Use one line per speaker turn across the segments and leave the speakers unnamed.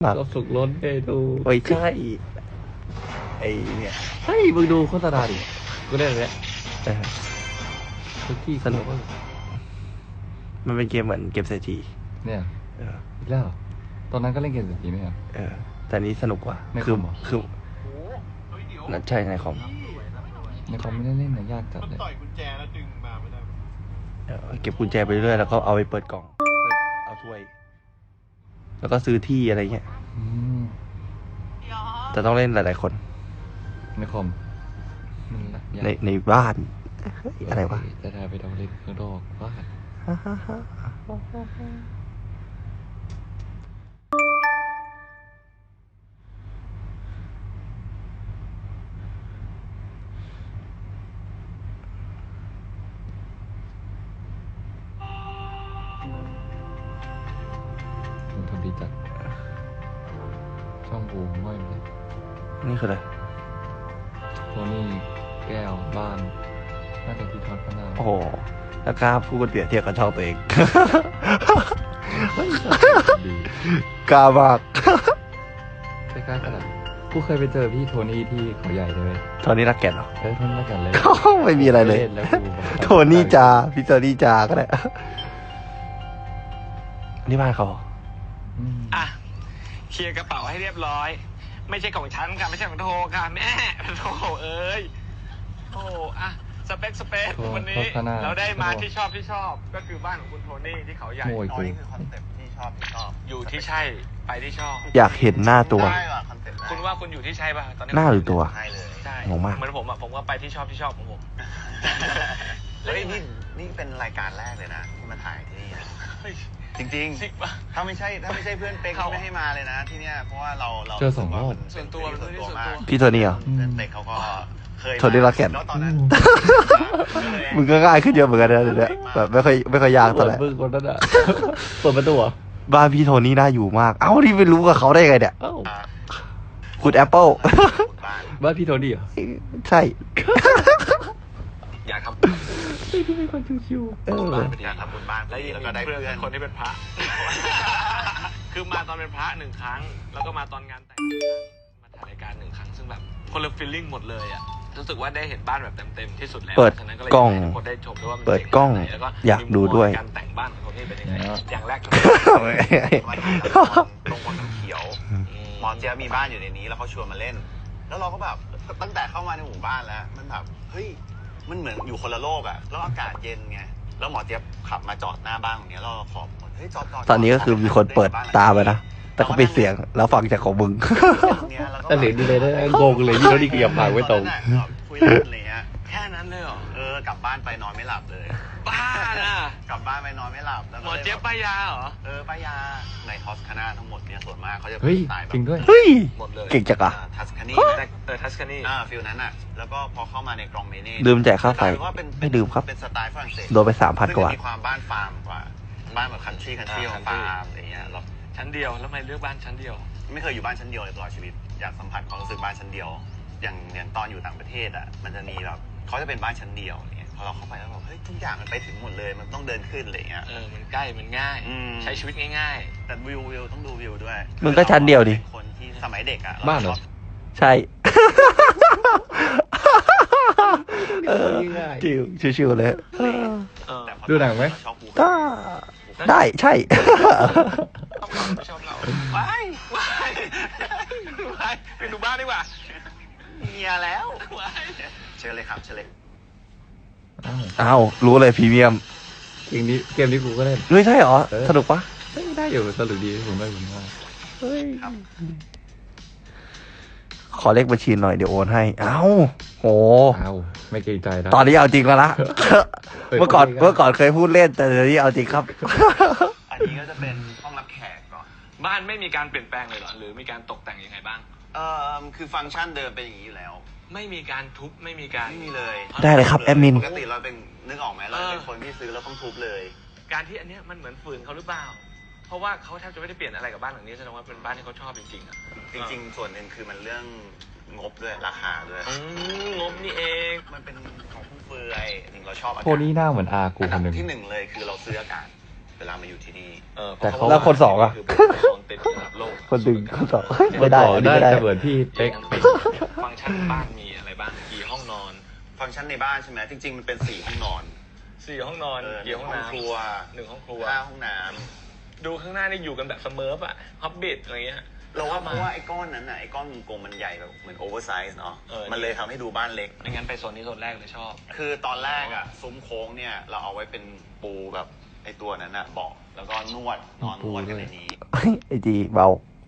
ก็สุกล้นไปดู
ไม่ใช่ไอเนี่ย
ใช่มึงดูโฆษณาดิกูได้เลย
เออ
ทุกที่
สนุก มันเป็นเกมเหมือนเกมเศรษฐี
เนี่ย
เออ
อีกแล้วตอนนั้นก็เล่นเกมเศรษฐีไหมครับ
เออ แต่นี้สนุกกว่า
ในค
คือ
อมเหรอ
คือนั่นใช่ในคอม
ในคอมไม่ได้เล่นนะยากจัดเลย
ต่อยกุญแจแล้วดึงมาไม่ได้
เก็บกุญแจไปเรื่อยแล้วก็เอาไปเปิดกล่องเอาถ้วย แล้วก็ซื้อที่อะไรเงี้ย
อืม
แต่ต้องเล่นหลายๆคน
ในคอมมันละยาก
ในบ้านอะไรวะ
จะได้ไปดาวเล่นข้างนอกบ้านมันทำดีจัดช่องโหว่ง่อยเลย
นี่คืออะไร
โทนี่แก้วบ้านน่าจะคือทอดพนา
โอ้โหแล้วกล้าพูดเปรียบเทียบกับช่องตัวเอง
ดี
กล้ามาก
ใกล้ๆขนาดกูเคยไปเจอพี่โทนี่ที่เขาใหญ่เลย
โทนี่รักแก่นเหรอ
โทนี่มากันเลย
ไม่มีอะไรเลย
ล่นแล้วกูแบบ
โทนี่จาพี่โทนี่จาก็ได้ นี่บ้านเขาเหรอ
อืม
อ่ะเคลียร์กระเป๋าให้เรียบร้อย ไม่ใช่ของฉันค่ะไม่ใช่ของโทค่ะแม่โทเอ้ยโอ้อะสเปควันนี้เราได้มาที่ชอบก็คือบ้านของคุณโทนี่ที่เขาใหญ่
โง่ย
อ๋อ
กู
นี่คือคอนเซ็ปต์ที่ชอบ
อยู่ที่ใช่ไปที่ชอบ
อยากเห็นหน้าตัว
ได้ว่ะคอนเซ็ปต์
คุณว่าคุณอยู่ที่ใช่ป่ะตอนนี้
หน้าหรือตัว
ใช่เลย
ใช่
งงมาก
เหมือนผมอ่ะผมก็ไปที่ชอบของผม
เฮ้ยนี่เป็นรายการแรกเลยนะที่มาถ่ายที่นี่นะ
เฮ้ย
จริง
จริงป่ะ
ๆถ้าไม่ใช่เพื่อนเป๊ก
เขา
ไม่ให้มาเลยนะที่เนี้ยเพราะว่าเรา
เจอสองรอบ
ส่วนตัว
ส่วนตัวมาก
พี่โทนี่เหรอ
เพื่อนเป๊กเขาก็เคย
โทนี่รักแก่น
แล้วตอนนั้น
มึงก็ง่ายขึ้นเยอะเหมือนกันนะเดี๋ยวนี้แบบไม่ค่อยยากเท่าไหร่
มึงคนนั้นอ่ะ เปิดประตูเหรอ
บ้านพี่โทนี่น่าอยู่มาก เอ้านี่ไปรู้กับเขาได้ไงเนี่ย
เอ้า
คุณแอปเปิล
บ้าน
บ้านพี่โทนี่เหรอ
ใช่
อยากทำ
พี่เป็นคนชิว
เออ
บ้านพอดี
อยากทำบุญบ้าน
แล้วยัง
แล้ว
มี
ก็ได้
เพื่
เพื่
อ
อน น
คนที่เป็นพระ คือมาตอนเป็นพระหนึ่งครั้ง แล้วก็มาตอนงานแต่งมาถ่ายรายการหนึ่งครั้ง ซึ่งแบบคนละฟีลลิ่งหมดเลยอ่ะ รู้สึกว่าได้เห็นบ้านแบบเต็มๆที่สุดแล้ว
เปิด
ฉะนั้นเลย
กล้อง
ยาให้ทุกคนได้ชมด้วยว่ามัน
เปิดกล้อง
จ๋ขนาไหนแล้วก็
อยากดูด้วย
การแต่งบ้านของคนที่เป็นยังไง อย่างแรกก็
วันตรงวังน้ำเขียว หมอเจี๊ยบมีบ้านอยู่ในนี้แล้วเขาชวนมาเล่น แล้วเราก็แบบตั้งแต่เข้ามาในหมู่บ้านแล้ว มันแบบเฮ้ยมันเหมือนอยู่คนละโลกอะแล้วอากาศเย็นไงแล้วหมอเจี๊ยบขับมาจอดหน้าบ้านตรงเนี้ยแล้วเราขอเฮ้ยจอด
ตอนนี้ก็คือมีคนเปิดตาไปนะ แต่ก็ปิดเสียงแล้วฟังจากของมึง
แต่เหลือดีเลยนะงงเลยพี่โทนี่เกียบปากไว้ตรง
คุยเล่นอะไรเงี้ย
แค่นั้นเลยเหรอ
กลับบ้านไปนอนไม่หลับเลย
บ้าน่ะ
กลับบ้านไปนอนไม่หลับแล้ว
หม
ก็
อ
ล
เจี๊ยบป้ายาเหรอ
ป้ายาในทอสคานาทั้งหมดเนี่ยส่วนมากเขาจะ
เฮ้ย
สไตล์แบบ
จริงด้วย
เฮ้ย
หมดเลย
เก่งจังอะ
ทัสคานี
แต่ทัสคานี
ฟิลนั้นอ่ะ แล้วก็พอเข้ามาในกรองเมเน่
ลืมจ่ายค่าไฟ
กลยเป็นว่าเป็น
ไม่ลืมครับ
เป็นสไตล์ฝรั่งเศส
โดนไป3,000 กว่า
ซึ่งจะมีความบ้านฟาร์มกว่า บ้านแบบคันทรีของฟาร์มอะไรเงี้ยเรา
ชั้นเดียวแล้วทำไมเลือกบ้านชั้นเดียว
ไม่เคยอยู่บ้านชั้นเดียวเลยตลอดชีวิต อยากสัมผัสความรู้สึกบ้านชั้นเดียว อย่างตอนอยู่ต่างประเทศอ่ะ มันจะมีแบบเขาจะเป็นบ้านชั้นเดียวอะไรเงี้ยพอเราเข้าไปแล้วแบบเฮ้ยทุกอย่างมันไปถึงหมดเลย มันต้องเดินขึ้นอะไรเงี้ย
มันใกล้มันง่าย
อืม
ใช้ชีวิตง่าย
แต่วิวต้องดูวิวด้วย
มึงก็ชั้นเดียวดิ
เป็นคนที่สมัยเด็กอ่ะ
บ้านเหรอ
ใช่ เออ
ง่าย
ชิวๆเลย
แต่พอ
ดูหนังไหม
ชอบภู
ก็
เขา
ได้ใช่
ไม่ชอบเราว้ายว้ายว้ายไปดูบ้านดีกว่า
เมียแล้ว
ว้าย
เชิญเลยครับเชิญเลย
อ้าว
อ้าว รู้เลยพรีเมียม
เกมนี้กูก็เล่น
ไม่ใช่เหรอ
เออ
สนุกปะ
เฮ้ยได้อยู่สนุกดีผมได้ผมว่า
เฮ้ย
ครับ
ขอเลขบัญชีหน่อยเดี๋ยวโอนให้ เอ้าโห
อ้าวไม่เกรงใจนะ
ตอนนี้เอาจริงแล้วนะ
เฮ้ย
เมื่อก่อนเคยพูดเล่น แต่เดี๋ยวนี้เอาจริงครับ
อันนี้ก็จะเป็นห้องรับแขกก่อน
บ้านไม่มีการเปลี่ยนแปลงเลยเหรอ หรือมีการตกแต่งยังไงบ้าง
คือฟังก์ชันเดิมเป็นอย่างนี้อยู่แล้ว
ไม่มีการทุบไม่มีการ
ไม่มีเลย
ได้เลยครับแอดมิน
ปกติเราเป็นนึกออกไหมเราเป็นคนที่ซื้อแล้วต้องทุบเลย
การที่อันเนี้ยมันเหมือนฝืนเขาหรือเปล่า เพราะว่าเขาแทบจะไม่ได้เปลี่ยนอะไรกับบ้านหลังนี้แสดงว่าเป็นบ้านที่เขาชอบจริงๆอ่ะ
จริงๆ ส่วนหนึ่งคือมันเรื่องงบด้วยราคาด้วย
งบนี่เอง
มันเป็นของฟุ่มเฟือยหนึ่งเราชอบอากาศ
โทนี่หน้าเหมือนอากู
อัน
ค
ดั
น
บ
หนึ่ง
ที่หนึ่งเลยคือเราซื้ออากาศเวลามาอยู่ที่นี่
แต่เขา
แล้วคนสองอะ
คือคนติดระดับโลก
คนดึงคนสอง
ไม่
ไม่
ได้
ได้อันนี้
ได้
ไม่ได้
แต่เหมือนพี่เป๊ก
ฟังก์ชันบ้านมีอะไรบ้างกี่ห้องนอน
ฟังก์ชันในบ้านใช่ไหมจริงๆมันเป็น4 ห้องนอน
4 ห้องนอนกี่ห้องน้ำ
ครัว
1 ห้องครัว
5 ห้องน้ำ
ดูข้างหน้านี่อยู่กันแบบสเมิร์ฟอะฮอบบิทอะไรเงี้ย
เราว่าเพราะว่าไอ้ก้อนนั้นน่ะไอ้ก้อนกลมๆมันใหญ่แบบเหมือนโอเวอร์ไซส์เนาะมันเลยทำให้ดูบ้านเล็ก
ไม่งั้นไปโซนนี้โซนแรกเลยชอบ
คือตอนแรกอะซุ้มโค้งเนี่ยเราเอาไว้เป็นปูแบบไอ้ตัวนั้นอะเบาะแล้วก็นวดนอนนวดกันในนี้
ไอจีเบา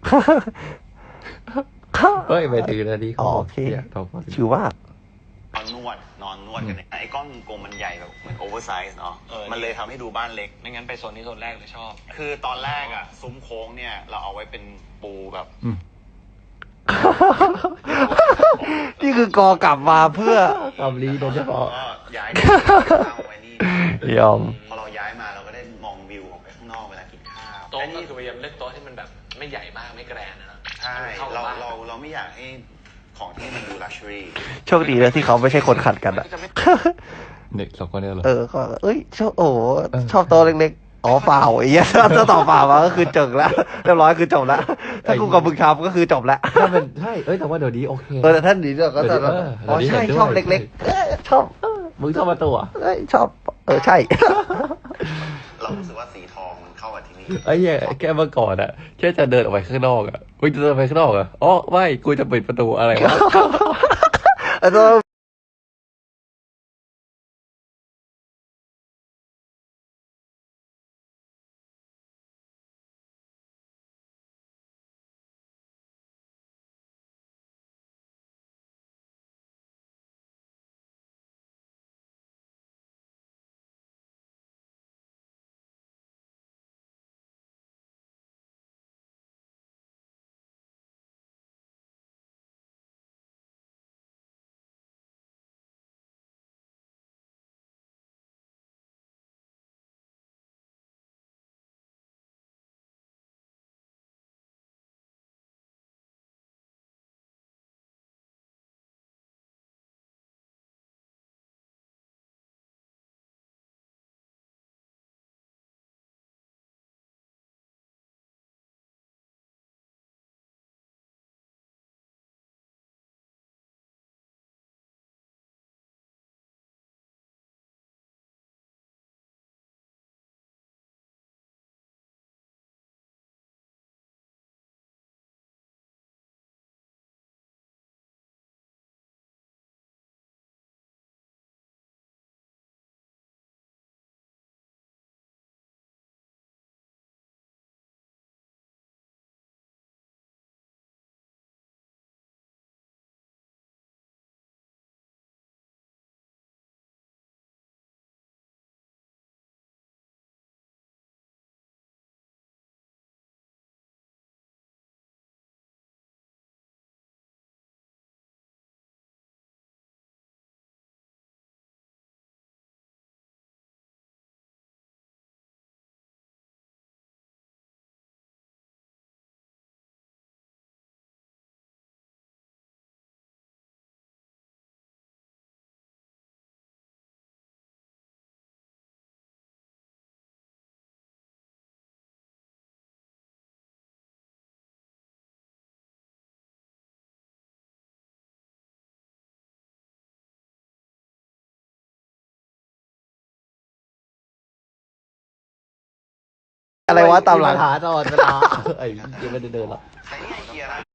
เฮ้ยไปถือนาที
อ๋อโอเค
ทองฟ้า
ชื่อว่า
นอนนวดกันในไอ้ก้อนกลมๆมันใหญ่แบบเหมือนโอเวอร์ไซส์เนาะมันเลยทำให้ดูบ้านเล็ก
ไม่งั้นไปโซนนี้โซนแรกเลยชอบ
คือตอนแรกอะซุ้มโค้งเนี่ยเราเอาไว้เป็นปูแบบ
นี่คือกอกลับมาเพื่อ
คำลีโดยเฉพาะ
ก็ย้ายตั้งไว้นี่
ยอม
พอเราย้ายมาเราก็ได้มองวิวออกไปข้างนอกเวลากินข้าว
โต๊ะก็คือพยายามเลือกโต๊ะที่มันแบบไม่ใหญ่มากไม่แกรนด์นะ
ใช่
เข้ากับบ้าน
เราไม่อยากให้ของที่มันดูลักชัวรี่
โชคดีเลยที่เขาไม่ใช่คนขัดกันอะ
เด็ก2 คนเนี่ยเหรอ
ก็เอ้ยชอบโอ้โหชอบโตะเล็กๆ อ๋อเปล่าไอ้เหี้ยถ้าตอบเปล่ามาก็คือจบแล้วเรียบร้อยคือจบแล้ว ถ้ากูกับมึงทำก็คือจบแล้ว
ถ้าเป็นใช่แต่ว่าเดี๋ยวนี้โอเค
แต่ท่านนี้ก็จะอ๋อใช่ชอบเล็กๆชอบ
มึงชอบประตูอ่ะ
ชอบใช่
เรารู้สึกว่าสีทองมันเข้ากับที่นี่
ไอ้เหี้ยแค่เมื่อก่อนอ่ะแค่จะเดินออกไปข้างนอกอ่ะมึงจะเดินไปข้างนอกอ่ะอ๋อไม่กูจะปิดประตูอะไรวะ
อะไรวะตามหลัง
หาตลอดเวลาไอ้ยังไม่ได้เดินหรอก
แต่นี่ไอเกียร์นะ